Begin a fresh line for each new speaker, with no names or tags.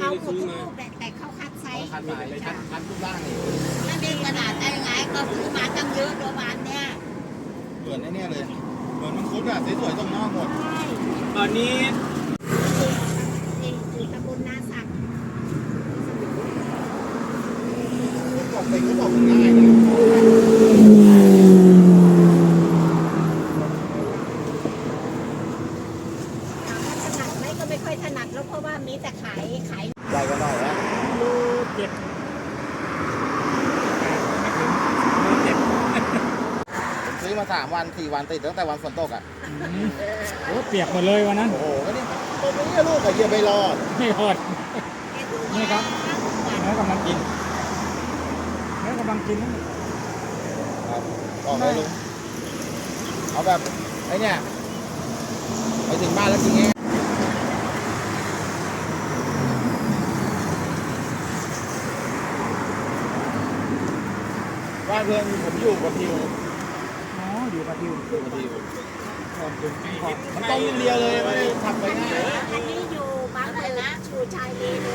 เอาหมดทุกลูกแต่เขาคัดไซส์
คันมาคันทุกร่างนี่
ถ้าเป็นกระดาษได้ไงก็ซื้อมาตั้งเยอะตัวบานเนี่ย
เหมือนไอ้เนี่ยเลยเหมือนมังคุดอะสวยๆตรงนอกหมด
ใช่
ตอนนี้
นี่อยู่ตำบลนาสัก
บอกไปก็บอกง่ายนะ
ถามว่าถนัดไหมก็ไม่ค่อยถนัดแล้วเพราะว่ามีแต่ขาย
ใหญ่กว่าหน่อยนะ
รูเจ็ดรูเจ็ด
ผมซื้อมา3 วัน 4 วันติดตั้งแต่วันฝนตกอ่ะ
โอ้เปียกหมดเลยวันนั้น
โอ้โหก็นี่ตรงนี้ลูกกับเยียไม่รอด
ไม่รอด
ๆ
นี่ครับ เนื้อกำลังกินเนื้อกำลังกินนะ
ครับบอกเลยลุงเอาแบบไอ้เนี่ยไปถึงบ้านแล้วกินง่ายบ้านเพื่อนผมอยู่กับพิว
อ๋ออยู่กับทิว
อยู่กับพิว
ขอบคุณขอบ
มันต้องเรียวเลยไม่ได้ทำไปง่าย
อันนี้อยู่บางเอิญนะชูชายเลน